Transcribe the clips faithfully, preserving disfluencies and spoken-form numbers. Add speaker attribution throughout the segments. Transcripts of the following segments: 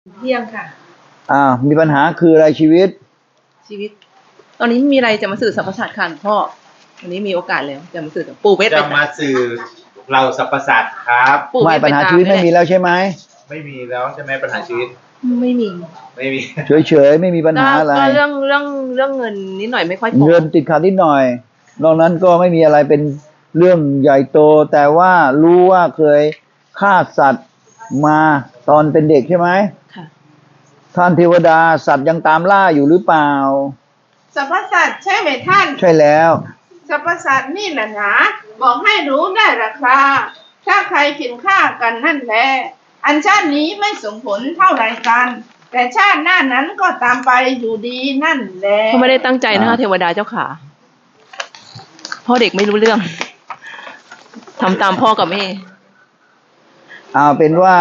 Speaker 1: เที่ยงค่ะ
Speaker 2: อ่ามีปัญหาคืออะไรชีวิต
Speaker 1: ชีวิต ตอนนี้มีอะไรจะมาสื่อสรรพสัตว์ค่ะหลวงพ่อวันนี้มีโอกาสแล้วจะมาสื่อกับปู่เวท
Speaker 3: จะมาสื่อเราสรรพสัตว์ครับ
Speaker 2: ไม่ปัญหาชีวิตไม่มีแล้วใช่ไหม
Speaker 3: ไม่มีแล้วใช่ไหมปัญหาชีวิต
Speaker 1: ไม่มี
Speaker 3: ไม่มี
Speaker 2: เฉยๆไม่มีปัญหาอะไร
Speaker 1: ก็เรื่องเรื่องเรื่องเงินนิดหน่อยไม่ค่อยพอ
Speaker 2: เงินติดขัดนิดหน่อยนอกนั้นก็ไม่มีอะไรเป็นเรื่องใหญ่โตแต่ว่ารู้ว่าเคยฆ่าสัตว์มาตอนเป็นเด็กใช่ไหม
Speaker 1: ค่ะ
Speaker 2: ท่านเทวดาสัตว์ยังตามล่าอยู่หรือเปล่า
Speaker 4: สรรพสัตว์ใช่ไหมท่าน
Speaker 2: ใช่แล้ว
Speaker 4: สรรพสัตว์นี่แหละนะบอกให้รู้ได้ราคาถ้าใครกินข้ากันนั่นแหละอันชาตินี้ไม่ส่งผลเท่าไรกันแต่ชาติหน้านั้นก็ตามไปอยู่ดีนั่นแหละ
Speaker 1: เขาไม่ได้ตั้งใจนะคะเทวดาเจ้าขาพ่อเด็กไม่รู้เรื่องทำตามพ่อกับแม่
Speaker 2: เอาเป็นว่า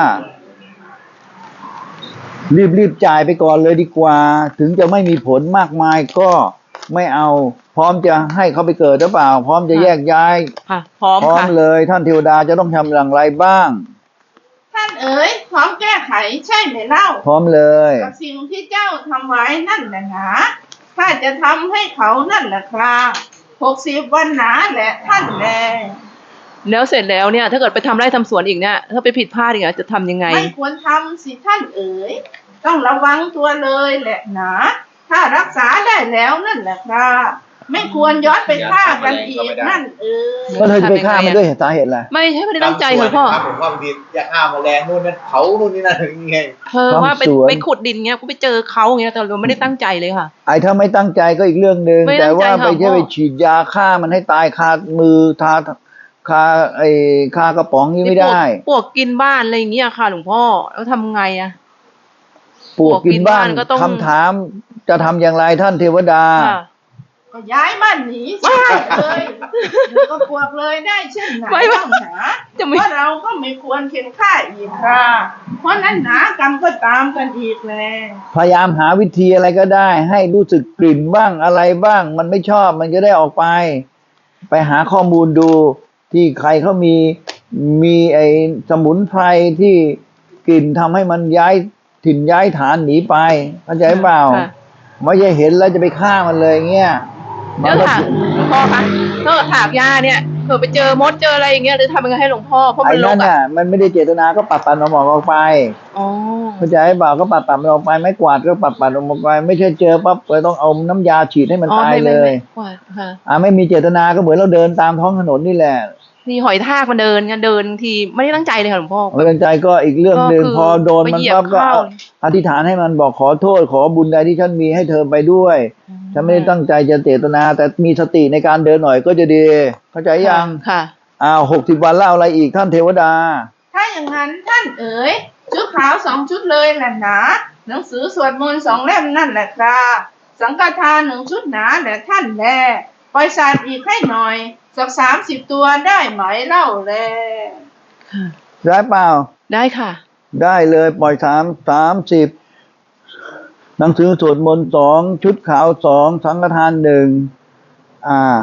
Speaker 2: รีบๆจ่ายไปก่อนเลยดีกว่าถึงจะไม่มีผลมากมายก็ไม่เอาพร้อมจะให้เขาไปเกิดหรือเปล่าพร้อมจะแยกย้าย
Speaker 1: ค่ะพร้อม
Speaker 2: พร้อมเลยท่านเทวดาจะต้องทำอย่างไรบ้าง
Speaker 4: ท่านเอ๋ยพร้อมแก้ไขใช่ไหมเล่า
Speaker 2: พร้อมเลย
Speaker 4: กับสิ่งที่เจ้าทำไว้นั่นแหละนะถ้าจะทำให้เขานั่นแหละครับหกสิบวันหนาแหละท่านแล
Speaker 1: แล้วเสร็จแล้วเนี่ยถ้าเกิดไปทำไร่ทำสวนอีกเนี่ยถ้าไปผิดพลาดอีกจะทำยังไง
Speaker 4: ไม่ควรทำสิท่านเอ๋ยต้องระวังตัวเลยแหละนะถ้ารักษาได้แล้วนั่นแหละครับไม่ควรย้อนไปฆ่ากันอีกนั่นเอ๋ย
Speaker 2: ก็เธอจะไปฆ่ามันด้วยสาเหตุอะไร
Speaker 1: ไม่ใช่ไม่ได้ตั้งใจค่ะพ่อ
Speaker 3: ผมว่าบางทีอยากฆ่าแมลงนู่นนั่นเขานู่นนี่นั่นยังไง
Speaker 1: เธอว่าไปไปขุดดินเงี้ยกูไปเจอเขาอย่างเงี้ยแต่เราไม่ได้ตั้งใจเลยค่ะ
Speaker 2: ไอ้ถ้าไม่ตั้งใจก็อีกเรื่องนึงแต่ว่าไปแค่ไปฉีดยาฆ่ามันให้ตายคามือทาคาไอ้คากระป๋องนี้ไม่ได้
Speaker 1: ปวกกินบ้านอะไรอย่างเงี้ยค่ะหลวงพ่อแล้วทำไงอะ
Speaker 2: ปวกกินบ้านคำถามจะทำอย่างไรท่านเทวดา
Speaker 4: ก็ย้ายบ้านหนีใช่เลยก็ปวกเลยได้เช่นไหนต้องหาเพราะเราก็ไม่ควรเข็นฆ่าอีกค่ะเพราะนั้นหนากรรมก็ตามกันอีกแล้ว
Speaker 2: พยายามหาวิธีอะไรก็ได้ให้รู้สึกกลิ่นบ้างอะไรบ้างมันไม่ชอบมันจะได้ออกไปไปหาข้อมูลดูที่ใครเขามีมีไอ้สมุนไพรที่กลิ่นทำให้มันย้ายถิ่นย้ายฐานหนีไปเข้าใจเปล่าไม่ใช่เห็นแล้วจะไปฆ่ามันเลยเงี้ย
Speaker 1: เดี๋ยวถามหลวงพ่อคะถ้าถากยาเนี่ยเผื่อไปเจอมดเจออะไรอย่างเงี้ยหรือทำยังไงให้หลวงพ่อเพราะมัน
Speaker 2: ลกอ่ะมันไม่ได้เจตนาก็ปัดปัดออกออกไป
Speaker 1: อ๋อ
Speaker 2: เข้าใจเปล่าก็ปัดปัดออกไปไม่กวาดก็ปัดปัดออกไปไม่ใช่เจอปั๊บเลยต้องเอาน้ำยาฉีดให้มันตายเลยอ่าไม่มีเจตนาก็เหมือนเราเดินตามท้องถนนนี่แหละ
Speaker 1: ทีหอยทากมันเดินกันเดินทีไม่ได้ตั้งใจเลยค่ะหลวงพ่อ
Speaker 2: ไม่ตั้งใจก็อีกเรื่องหนึ่งพอโดนมันปั๊บก็อธิษฐานให้มันบอกขอโทษขอบุญใดที่ฉันมีให้เธอไปด้วยฉันไม่ได้ตั้งใจจะเจตนาแต่มีสติในการเดินหน่อยก็จะดีเข้าใจยัง
Speaker 1: ค่ะ
Speaker 2: อ้าวหกสิบวันเล่าอะไรอีกท่านเทวดา
Speaker 4: ถ้าอย่างนั้นท่านเอ๋ยชุดขาวสองชุดเลยแหละนะหนังสือสวดมนต์สองเล่มนั่นแหละครับสังฆทานหนึ่งชุดหนาแหละท่านแลปล่อยสัตว์อีกให้หน่อยสักสามสิบตัวได้ไหมเล่าแล
Speaker 2: ได้เปล่า
Speaker 1: ได้ค่ะ
Speaker 2: ได้เลยปล่อยสามสามสิบหนังสือสวดมนต์สองชุดขาวสองสังฆทานหนึ่งอ่า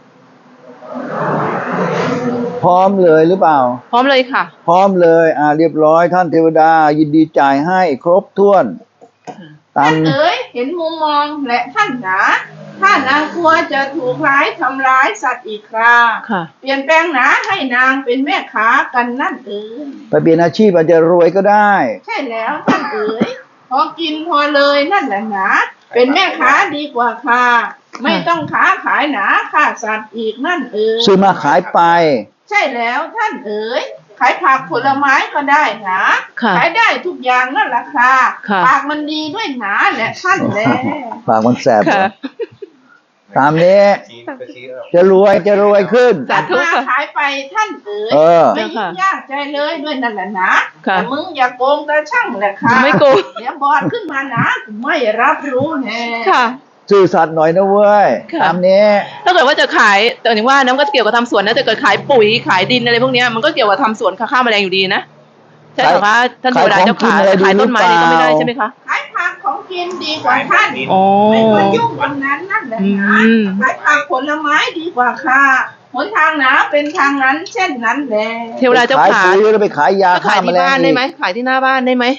Speaker 2: พร้อมเลยหรือเปล่า
Speaker 1: พร้อมเลยค่ะ
Speaker 2: พร้อมเลยอ่าเรียบร้อยท่านเทวดายินดีจ่ายให้ครบถ้วน
Speaker 4: ท่านเอ๋ยเห็นมุมมองและท่านหนาถ้านางกลัวจะถูกร้ายทำร้ายสัตว์อีกคราเปลี่ยนแปลงหนาให้นางเป็นแม่ค้ากันนั่นเอ๋ย
Speaker 2: ไปเปลี่ยนอาชีพอาจจะรวยก็ได้
Speaker 4: ใช่แล้วท่านเอ๋ยพอกินพอเลยนั่นแหละหนาเป็นแม่ค้าดีกว่าค่ะไม่ต้องค้าขายหนาฆ่าสัตว์อีกนั่นเอ๋ย
Speaker 2: ซื้อมาขายไป
Speaker 4: ใช่แล้วท่านเอ๋ยขายผักผลไม้ก็ได้นะขายได้ทุกอย่างนั่นแหละค่ะปากมันดีด้วยหนาแหละท่านแล
Speaker 2: ปากมันแสบตามนี้จะรวยจะรวยขึ้น
Speaker 4: จัดมาขายไปท่านเอ๋ยไม่ยุ่งยากใจเลยด้วยนั่นแหละนะแต่มึงอย่าโกงแต่ช่างแหละค่ะ
Speaker 1: ไม่โกง
Speaker 4: เดี๋ยวบอดขึ้นมานะไม่รับรู้แน่
Speaker 1: ค่ะ
Speaker 2: ซื่อสัตย์หน่อยนะเว้ยตามนี้
Speaker 1: ถ้าเกิดว่าจะขายแต่ถึงว่าน้ำก็เกี่ยวกับทำสวนนะแต่เกิดขายปุ๋ยขายดินอะไรพวกนี้มันก็เกี่ยวกับทำสวนฆ่าแมลงอยู่ดีนะใช่ไหมคะท่านเทวดาเจ้าขาขายต้นไม้นี่ก็ไม่ได้ใช่ไหมคะ
Speaker 4: ขายผักของกินดีกว่าท่านไม่ควรยุ่งกับนั้นนั่นแหละนะขายผักผลไม้ดีกว่าค่ะหนทางหนาเป็นทางนั้นเช่นนั้นแหละ
Speaker 1: เทวดาเจ้าขา
Speaker 2: ขายปุ๋ยแล้วไปขายยา
Speaker 1: ฆ่าแมลงขายที่บ้านได้ไหมขายที่หน้าบ้านได้ไหม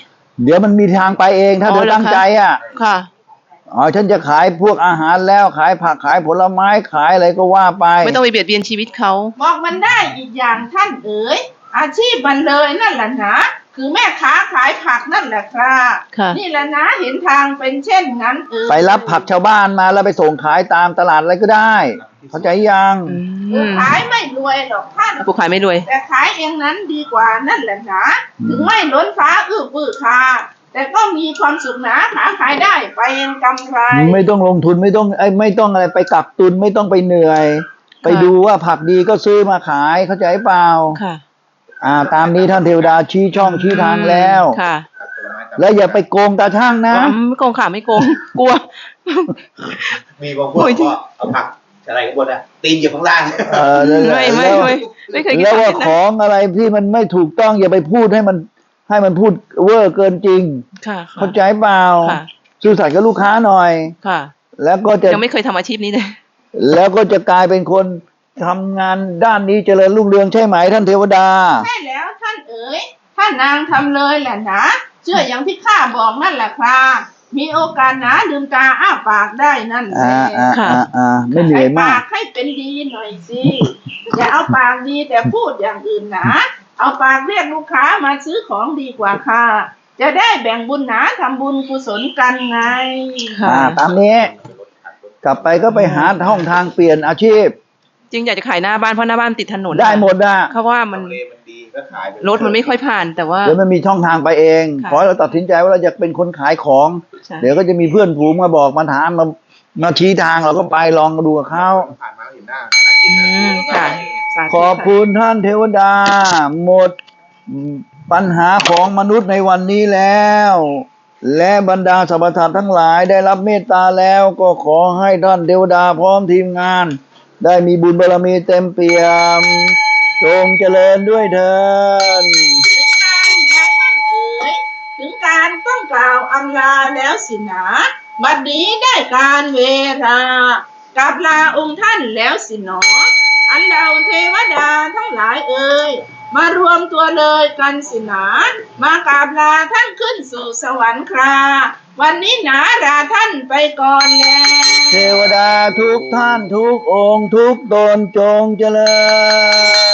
Speaker 2: เดี๋ยวมันมีทางไปเองถ้า
Speaker 1: อ๋อ
Speaker 2: เธอ
Speaker 1: เหรอ
Speaker 2: ตั้ง
Speaker 1: คะ
Speaker 2: ใจอ่ะ
Speaker 1: ค่ะ
Speaker 2: อ๋อฉันจะขายพวกอาหารแล้วขายผักขายผลไม้ขายอะไรก็ว่าไป
Speaker 1: ไม่ต้องไปเบียดเบียนชีวิตเขา
Speaker 4: บอกมันได้อีกอย่างท่านเอ๋ยอาชีพมันเลยนั่นแหละนะคือแม่ค้าขายผักนั่นแหละครับ
Speaker 1: ค่ะ
Speaker 4: นี่แหละนะเห็นทางเป็นเช่นนั้นเอ๋ย
Speaker 2: ไปรับผักชาวบ้านมาแล้วไปส่งขายตามตลาดอะไรก็ได้ เข้าใจยัง
Speaker 1: อื
Speaker 4: คือ
Speaker 1: ม
Speaker 4: ขายไม่รวยหรอกท่าน
Speaker 1: ผู้ขายไม่รวย
Speaker 4: แต่ขายเองนั้นดีกว่านั่นแหละนะถึงไม่ล้นฟ้าอื้อปื้อคาแต่ก็มีความสุขนะหาขายได้ไปเองกำไร
Speaker 2: ไม่ต้องลงทุนไม่ต้องไอ้ยไม่ต้องอะไรไปกักตุนไม่ต้องไปเหนื่อย ไปดูว่าผักดีก็ซื้อมาขายเข้าใจเปล่า
Speaker 1: ค่ะ
Speaker 2: อ่า ตามนี้ท่านเทวดาชี้ช่องชี้ทางแล้ว
Speaker 1: ค่ะ
Speaker 2: แล้วอย่าไปโกงตาช่างนะ
Speaker 1: อ๋อไม่โกงค่ะไม่โกง กลัว
Speaker 3: มีบางพวกก็เอาผักอะไรข้างบนอะตีนอยู่ข้างล่าง
Speaker 2: เออนั่นแหละ
Speaker 1: ไม่ไม่
Speaker 2: แล้ว
Speaker 1: ไม่ไม่เคยคิด
Speaker 2: แล้วว่า
Speaker 1: แบบ
Speaker 2: ข
Speaker 1: นั้น
Speaker 2: องอะไรที่มันไม่ถูกต้องอย่าไปพูดให้มันให้มันพูดเวอร์เกินจริง
Speaker 1: ค่ะค่ะ
Speaker 2: เข้าใจเปล่า
Speaker 1: ค่ะ
Speaker 2: ซื่อสัตย์กับลูกค้าหน่อย
Speaker 1: ค่ะ
Speaker 2: แล้วก็จะ
Speaker 1: ยังไม่เคยทำอาชีพนี้เลย
Speaker 2: แล้วก็จะกลายเป็นคนทำงานด้านนี้เจริญรุ่งเรืองใช่ไหมท่านเทวดา
Speaker 4: ใช่แล้วท่านเอ๋ยท่านนางทำเลยแหละนะเชื่ออย่างที่ข้าบอกนั่นแหละครับมีโอกาสนะลืมตาอ้าปากได้นั่นแห
Speaker 2: อ่า
Speaker 4: ละ
Speaker 2: อ่า
Speaker 1: ค่ะ
Speaker 2: อ่าอ่าไม่เหนื่อย
Speaker 4: ใช้
Speaker 2: มา
Speaker 4: ปาก กให้เป็นดีหน่อยสิ อย่าเอาปากดีแต่พูดอย่างอื่นนะเอาปากเรียกลูกค้ามาซื้อของดีกว่าค่ะ จะได้แบ่งบุญหนาทำบุญกุศลกันไง
Speaker 1: ค่ะ
Speaker 2: อ่า ตามนี้ กลับไปก็ไปหาห้องทางเปลี่ยนอาชีพ
Speaker 1: จริงอยากจะขายหน้าบ้านเพราะหน้าบ้านติดถนน
Speaker 2: ได้หมดนะ
Speaker 1: เขาว่ามัน
Speaker 3: ทำเลมันดีก็ขายไป
Speaker 1: รถมันไม่ค่อยผ่านแต่ว่า
Speaker 2: เดี๋ยวมันมีช่องทางไปเอง
Speaker 1: ค่ะ
Speaker 2: ขอให้เราตัดสินใจว่าเราจะเป็นคนขายของ
Speaker 1: ใช่
Speaker 2: เดี๋ยวก็จะมีเพื่อนฝูงมาบอกมาถามมามาชี้ทางเราก็ไปลองดูกับเขา
Speaker 3: ผ่านมาแล้วเห็นหน้าน่ากิน
Speaker 1: อื
Speaker 3: นะ
Speaker 1: มค่ะสาธุ
Speaker 2: ขอบคุณท่านเทวดา หมดปัญหาของมนุษย์ในวันนี้แล้ว และบรรดาสรรพสัตว์ทั้งหลายได้รับเมตตาแล้วก็ขอให้ท่านเทวดาพร้อมทีมงาน ได้มีบุญบารมีเต็มเปี่ยมจงเจริญด้วยเถิด
Speaker 4: ถึงการแม้ท่านเอ๋ยถึงการต้องกล่าวอำลาแล้วสินะบัดนี้ได้การเวลากลับลาองค์ท่านแล้วสิหนอ อันเราเทวดาทั้งหลายเอ่ยมารวมตัวเลยกันสินะมากราบลาท่านขึ้นสู่สวรรค์คราวันนี้หนาลาท่านไปก่อนแล้ว
Speaker 2: เทวดาทุกท่านทุกองค์ทุกตนจงเจริญ